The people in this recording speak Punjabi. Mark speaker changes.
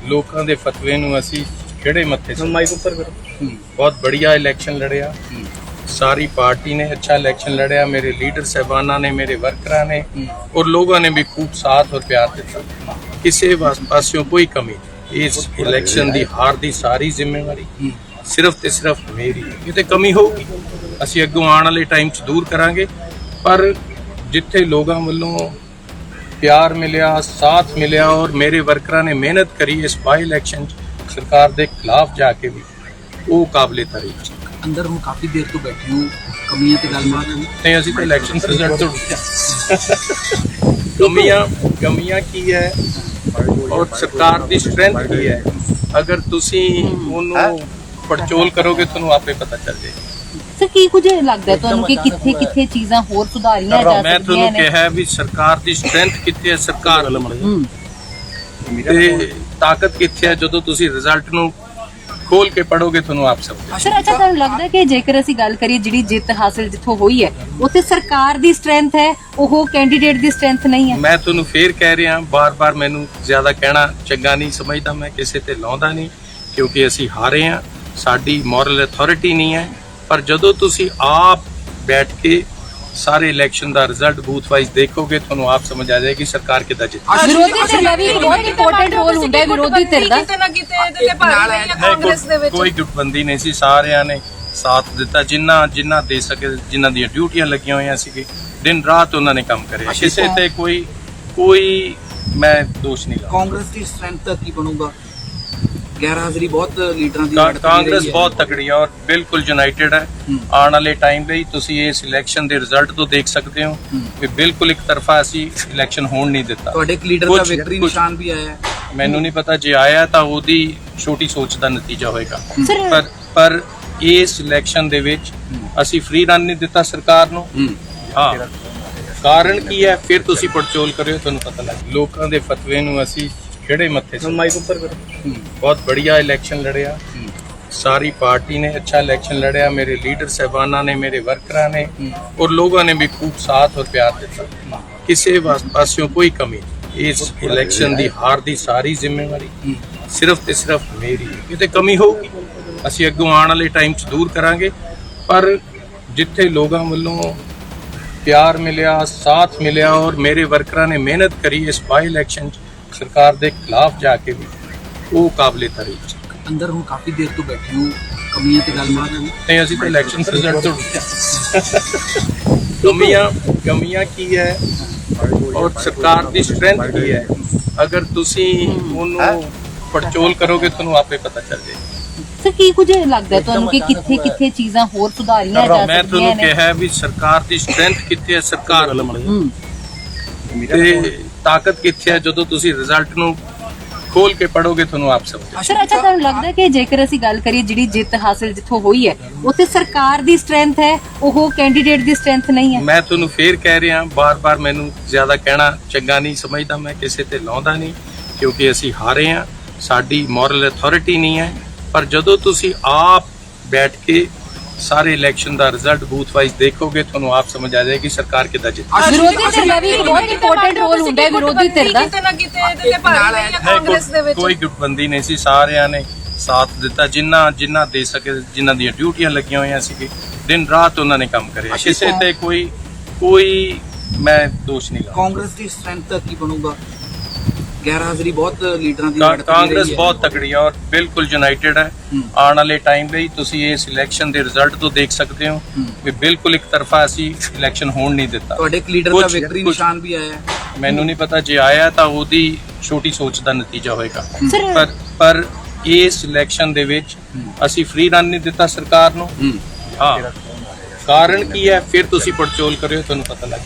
Speaker 1: ਲੋਕਾਂ ਦੇ ਫਤਵੇ ਨੂੰ ਅਸੀਂ ਕਿਹੜੇ ਮੱਥੇ ਮਾਈਕ ਉੱਪਰ ਕਰੋ। ਬਹੁਤ बढ़िया इलेक्शन लड़िया, सारी पार्टी ने अच्छा इलेक्शन लड़िया, मेरे लीडर साहबाना ने, मेरे वर्करां ने और लोगों ने भी खूब साथ और प्यार दिता। किसी पासों कोई कमी नहीं। इस इलेक्शन की हार की सारी जिम्मेवारी सिर्फ ते सिर्फ मेरी। किते कमी होगी ਅਸੀਂ ਅੱਗੋਂ ਆਉਣ ਵਾਲੇ ਟਾਈਮ 'ਚ ਦੂਰ ਕਰਾਂਗੇ, ਪਰ ਜਿੱਥੇ ਲੋਕਾਂ ਵੱਲੋਂ ਪਿਆਰ ਮਿਲਿਆ, ਸਾਥ ਮਿਲਿਆ ਔਰ ਮੇਰੇ ਵਰਕਰਾਂ ਨੇ ਮਿਹਨਤ ਕਰੀ ਇਸ ਬਾਈ ਇਲੈਕਸ਼ਨ 'ਚ ਸਰਕਾਰ ਦੇ ਖਿਲਾਫ ਜਾ ਕੇ ਵੀ, ਉਹ ਕਾਬਲੇ ਤਾਰੀਫ।
Speaker 2: ਅੰਦਰ ਹੁਣ ਕਾਫੀ ਦੇਰ ਤੋਂ ਬੈਠੇ ਹੋ, ਕਮੀਆਂ ਤੇ ਗੱਲਬਾਤ
Speaker 1: ਨਹੀਂ, ਅਸੀਂ ਤਾਂ ਇਲੈਕਸ਼ਨ ਰਿਜ਼ਲਟ ਤੋਂ ਕਮੀਆਂ ਕੀ ਹੈ ਔਰ ਸਰਕਾਰ ਦੀ ਸਟਰੈਂਥ ਕੀ ਹੈ, ਅਗਰ ਤੁਸੀਂ ਉਹਨੂੰ ਪੜਚੋਲ ਕਰੋਗੇ ਤੁਹਾਨੂੰ ਆਪੇ ਪਤਾ ਚੱਲ ਜਾਏਗਾ।
Speaker 3: ਸਰ ਕੀ ਕੁਝ ਲੱਗਦਾ ਤੁਹਾਨੂੰ ਕਿ ਕਿੱਥੇ ਚੀਜ਼ਾਂ ਹੋਰ ਸੁਧਾਰੀਆਂ ਜਾ ਸਕਦੀਆਂ ਨੇ?
Speaker 1: ਮੈਂ ਤੁਹਾਨੂੰ ਕਿਹਾ ਵੀ ਸਰਕਾਰ ਦੀ ਸਟਰੈਂਥ ਕਿੱਥੇ ਹੈ, ਸਰਕਾਰ ਤੇ ਤਾਕਤ ਕਿੱਥੇ ਹੈ, ਜਦੋਂ ਤੁਸੀਂ ਰਿਜ਼ਲਟ ਨੂੰ ਖੋਲ ਕੇ ਪੜੋਗੇ ਤੁਹਾਨੂੰ ਆਪ ਸਭ।
Speaker 3: ਸਰ ਅੱਛਾ, ਤੁਹਾਨੂੰ ਲੱਗਦਾ ਕਿ ਜੇਕਰ ਅਸੀਂ ਗੱਲ ਕਰੀਏ ਜਿਹੜੀ ਜਿੱਤ ਹਾਸਲ ਜਿੱਥੋਂ ਹੋਈ ਹੈ ਉੱਥੇ ਸਰਕਾਰ ਦੀ ਸਟਰੈਂਥ ਹੈ, ਉਹ ਕੈਂਡੀਡੇਟ ਦੀ ਸਟਰੈਂਥ ਨਹੀਂ ਹੈ? ਮੈਂ
Speaker 1: ਤੁਹਾਨੂੰ ਫੇਰ ਕਹਿ ਰਿਹਾ, ਬਾਰ-ਬਾਰ ਮੈਨੂੰ ਜ਼ਿਆਦਾ ਕਹਿਣਾ ਚੰਗਾ ਨਹੀਂ ਸਮਝਦਾ, ਮੈਂ ਕਿਸੇ ਤੇ ਲਾਉਂਦਾ ਨਹੀਂ, ਕਿਉਂਕਿ ਅਸੀਂ ਹਾਰੇ ਹਾਂ, ਸਾਡੀ ਮੋਰਲ ਅਥਾਰਟੀ ਨਹੀਂ ਹੈ। ਪਰ ਜਦੋਂ ਤੁਸੀਂ ਆਪ ਬੈਠ ਕੇ ਸਾਰੇ ਇਲੈਕਸ਼ਨ ਦਾ ਰਿਜ਼ਲਟ ਬੂਥ ਵਾਈਜ਼ ਦੇਖੋਗੇ ਤੁਹਾਨੂੰ ਆਪ ਸਮਝ ਆ ਜਾਏਗੀ ਸਰਕਾਰ ਕਿੱਦਾਂ ਜਿੱਤੀ।
Speaker 3: ਵਿਰੋਧੀ ਧਿਰ ਦਾ ਵੀ ਬਹੁਤ ਇੰਪੋਰਟੈਂਟ ਰੋਲ ਹੁੰਦਾ ਹੈ। ਵਿਰੋਧੀ ਧਿਰ ਦਾ
Speaker 1: ਕੋਈ ਗੁੱਟਬੰਦੀ ਨਹੀਂ ਸੀ, ਸਾਰਿਆਂ ਨੇ ਸਾਥ ਦਿੱਤਾ, ਜਿੰਨਾ ਦੇ ਸਕੇ, ਜਿਨ੍ਹਾਂ ਦੀਆਂ ਡਿਊਟੀਆਂ ਲੱਗੀਆਂ ਹੋਈਆਂ ਸੀ, ਦਿਨ ਰਾਤ ਉਹਨਾਂ ਨੇ ਕੰਮ ਕਰਿਆ, ਕਿਸੇ ਤੇ ਕੋਈ ਮੈਂ ਦੋਸ਼ ਨਹੀਂ ਲਾਉਂਦਾ।
Speaker 2: ਕਾਂਗਰਸ ਦੀ ਸਟਰੈਂਥ ਦਾ ਕੀ ਬਣੂਗਾ? ਗੈਰ ਹਾਜ਼ਰੀ ਬਹੁਤ ਲੀਡਰਾਂ ਦੀ
Speaker 1: ਕਾਂਗਰਸ ਬਹੁਤ ਤਕੜੀ ਹੈ ਔਰ ਬਿਲਕੁਲ ਯੂਨਾਈਟਿਡ ਹੈ। ਆਉਣ ਵਾਲੇ ਟਾਈਮ ਲਈ ਤੁਸੀਂ ਇਸ ਇਲੈਕਸ਼ਨ ਦੇ ਰਿਜ਼ਲਟ ਤੋਂ ਦੇਖ ਸਕਦੇ ਹੋ ਕਿ ਬਿਲਕੁਲ ਇੱਕ ਤਰਫਾ ਅਸੀਂ ਇਲੈਕਸ਼ਨ ਹੋਣ ਨਹੀਂ ਦਿੱਤਾ।
Speaker 2: ਤੁਹਾਡੇ ਇੱਕ ਲੀਡਰ ਦਾ ਵਿਕਟਰੀ ਨਿਸ਼ਾਨ ਵੀ ਆਇਆ ਹੈ, ਮੈਨੂੰ
Speaker 1: ਨਹੀਂ ਪਤਾ, ਜੇ ਆਇਆ ਤਾਂ ਉਹਦੀ ਛੋਟੀ ਸੋਚ ਦਾ ਨਤੀਜਾ ਹੋਏਗਾ। ਪਰ ਇਸ ਇਲੈਕਸ਼ਨ ਦੇ ਵਿੱਚ ਅਸੀਂ ਫ੍ਰੀ ਰਨ ਨਹੀਂ ਦਿੱਤਾ ਸਰਕਾਰ ਨੂੰ। ਹਾਂ, ਕਾਰਨ ਕੀ ਹੈ ਫਿਰ ਤੁਸੀਂ ਪੜਚੋਲ ਕਰਿਓ, ਤੁਹਾਨੂੰ ਪਤਾ ਲੱਗ। ਲੋਕਾਂ ਦੇ ਫਤਵੇ ਨੂੰ ਅਸੀਂ ਕਿਹੜੇ ਮੱਥੇ ਮਾਈਕ ਉੱਪਰ ਕਰੋ। ਬਹੁਤ बढ़िया इलेक्शन लड़िया, सारी पार्टी ने अच्छा इलेक्शन लड़िया, मेरे लीडर साहबाना ने, मेरे वर्करां ने और लोगों ने भी खूब साथ और प्यार दिता। किसी पासों कोई कमी नहीं। इस इलेक्शन की हार की सारी जिम्मेवारी सिर्फ ते सिर्फ मेरी। किते कमी होगी ਅਸੀਂ ਅੱਗੋਂ ਆਉਣ ਵਾਲੇ ਟਾਈਮ 'ਚ ਦੂਰ ਕਰਾਂਗੇ, ਪਰ ਜਿੱਥੇ ਲੋਕਾਂ ਵੱਲੋਂ ਪਿਆਰ ਮਿਲਿਆ, ਸਾਥ ਮਿਲਿਆ ਔਰ ਮੇਰੇ ਵਰਕਰਾਂ ਨੇ ਮਿਹਨਤ ਕਰੀ ਇਸ ਬਾਈ ਇਲੈਕਸ਼ਨ 'ਚ ਸਰਕਾਰ ਦੇ ਖਿਲਾਫ ਜਾ ਕੇ ਵੀ, ਉਹ ਕਾਬਲੇ ਤਾਰੀਫ।
Speaker 2: ਅੰਦਰ ਹੁਣ ਕਾਫੀ ਦੇਰ ਤੋਂ ਬੈਠੇ ਹੋ, ਕਮੀਆਂ ਤੇ ਗੱਲਬਾਤ
Speaker 1: ਨਹੀਂ, ਅਸੀਂ ਤਾਂ ਇਲੈਕਸ਼ਨ ਰਿਜ਼ਲਟ ਤੋਂ ਕਮੀਆਂ ਕੀ ਹੈ ਔਰ ਸਰਕਾਰ ਦੀ ਸਟਰੈਂਥ ਕੀ ਹੈ, ਅਗਰ ਤੁਸੀਂ ਉਹਨੂੰ ਪੜਚੋਲ ਕਰੋਗੇ ਤੁਹਾਨੂੰ ਆਪੇ ਪਤਾ ਚੱਲ ਜਾਏਗਾ।
Speaker 3: ਸਰ ਕੀ ਕੁਝ ਲੱਗਦਾ ਤੁਹਾਨੂੰ ਕਿ ਕਿੱਥੇ ਚੀਜ਼ਾਂ ਹੋਰ ਸੁਧਾਰੀਆਂ ਜਾ ਸਕਦੀਆਂ ਨੇ?
Speaker 1: ਮੈਂ ਤੁਹਾਨੂੰ ਕਿਹਾ ਵੀ ਸਰਕਾਰ ਦੀ ਸਟਰੈਂਥ ਕਿੱਥੇ ਹੈ, ਸਰਕਾਰ ਤੇ ਤਾਕਤ ਕਿੱਥੇ ਹੈ, ਜਦੋਂ ਤੁਸੀਂ ਰਿਜ਼ਲਟ ਨੂੰ ਖੋਲ ਕੇ ਪੜੋਗੇ ਤੁਹਾਨੂੰ ਆਪ ਸਭ।
Speaker 3: ਸਰ ਅੱਛਾ, ਤੁਹਾਨੂੰ ਲੱਗਦਾ ਕਿ ਜੇਕਰ ਅਸੀਂ ਗੱਲ ਕਰੀਏ ਜਿਹੜੀ ਜਿੱਤ ਹਾਸਲ ਜਿੱਥੋਂ ਹੋਈ ਹੈ ਉੱਥੇ ਸਰਕਾਰ ਦੀ ਸਟਰੈਂਥ ਹੈ, ਉਹ ਕੈਂਡੀਡੇਟ ਦੀ ਸਟਰੈਂਥ ਨਹੀਂ ਹੈ? ਮੈਂ ਤੁਹਾਨੂੰ ਫੇਰ ਕਹਿ ਰਿਹਾ, ਬਾਰ-ਬਾਰ ਮੈਨੂੰ ਜ਼ਿਆਦਾ ਕਹਿਣਾ ਚੰਗਾ ਨਹੀਂ ਸਮਝਦਾ, ਮੈਂ ਕਿਸੇ ਤੇ ਲਾਉਂਦਾ ਨਹੀਂ, ਕਿਉਂਕਿ ਅਸੀਂ ਹਾਰੇ ਹਾਂ, ਸਾਡੀ ਮੋਰਲ ਅਥਾਰਟੀ ਨਹੀਂ ਹੈ। ਪਰ ਜਦੋਂ ਤੁਸੀਂ ਆਪ ਬੈਠ ਕੇ ਸਾਰੇ ਇਲੈਕਸ਼ਨ ਦਾ ਰਿਜ਼ਲਟ ਬੂਥ ਵਾਈਜ਼ ਦੇਖੋਗੇ ਤੁਹਾਨੂੰ ਆਪ ਸਮਝ ਆ ਜਾਏਗੀ ਸਰਕਾਰ ਕਿੱਦਾਂ ਜਿੱਤੀ। ਵਿਰੋਧੀ ਧਿਰ ਦਾ ਵੀ ਬਹੁਤ ਇੰਪੋਰਟੈਂਟ ਰੋਲ ਹੁੰਦਾ ਹੈ। ਵਿਰੋਧੀ ਧਿਰ ਦਾ
Speaker 1: ਕੋਈ ਗੁੱਟਬੰਦੀ ਨਹੀਂ ਸੀ, ਸਾਰਿਆਂ ਨੇ ਸਾਥ ਦਿੱਤਾ, ਜਿਨ੍ਹਾਂ ਦੇ ਸਕੇ, ਜਿਨ੍ਹਾਂ ਦੀਆਂ ਡਿਊਟੀਆਂ ਲੱਗੀਆਂ ਹੋਈਆਂ ਸੀ, ਦਿਨ ਰਾਤ ਉਹਨਾਂ ਨੇ ਕੰਮ ਕਰਿਆ, ਕਿਸੇ ਤੇ ਕੋਈ ਮੈਂ ਦੋਸ਼ ਨਹੀਂ ਲਾਉਂਦਾ।
Speaker 2: ਕਾਂਗਰਸ ਦੀ ਸਟਰੈਂਥ ਦਾ ਕੀ ਬਣੂਗਾ? ਗੈਰ ਹਾਜ਼ਰੀ ਬਹੁਤ ਲੀਡਰਾਂ ਦੀ
Speaker 1: ਕਾਂਗਰਸ ਬਹੁਤ ਤਕੜੀ ਹੈ ਔਰ ਬਿਲਕੁਲ ਯੂਨਾਈਟਿਡ ਹੈ। ਆਉਣ ਵਾਲੇ ਟਾਈਮ ਲਈ ਤੁਸੀਂ ਇਸ ਇਲੈਕਸ਼ਨ ਦੇ ਰਿਜ਼ਲਟ ਤੋਂ ਦੇਖ ਸਕਦੇ ਹੋ ਕਿ ਬਿਲਕੁਲ ਇੱਕ ਤਰਫਾ ਅਸੀਂ ਇਲੈਕਸ਼ਨ ਹੋਣ ਨਹੀਂ ਦਿੱਤਾ।
Speaker 2: ਤੁਹਾਡੇ ਇੱਕ ਲੀਡਰ ਦਾ ਵਿਕਟਰੀ ਨਿਸ਼ਾਨ ਵੀ ਆਇਆ ਹੈ, ਮੈਨੂੰ
Speaker 1: ਨਹੀਂ ਪਤਾ, ਜੇ ਆਇਆ ਤਾਂ ਉਹਦੀ ਛੋਟੀ ਸੋਚ ਦਾ ਨਤੀਜਾ ਹੋਏਗਾ। ਪਰ ਇਸ ਇਲੈਕਸ਼ਨ ਦੇ ਵਿੱਚ ਅਸੀਂ ਫ੍ਰੀ ਰਨ ਨਹੀਂ ਦਿੱਤਾ ਸਰਕਾਰ ਨੂੰ। ਹਾਂ, ਕਾਰਨ ਕੀ ਹੈ ਫਿਰ ਤੁਸੀਂ ਪੜਚੋਲ ਕਰਿਓ, ਤੁਹਾਨੂੰ ਪਤਾ ਲੱਗ।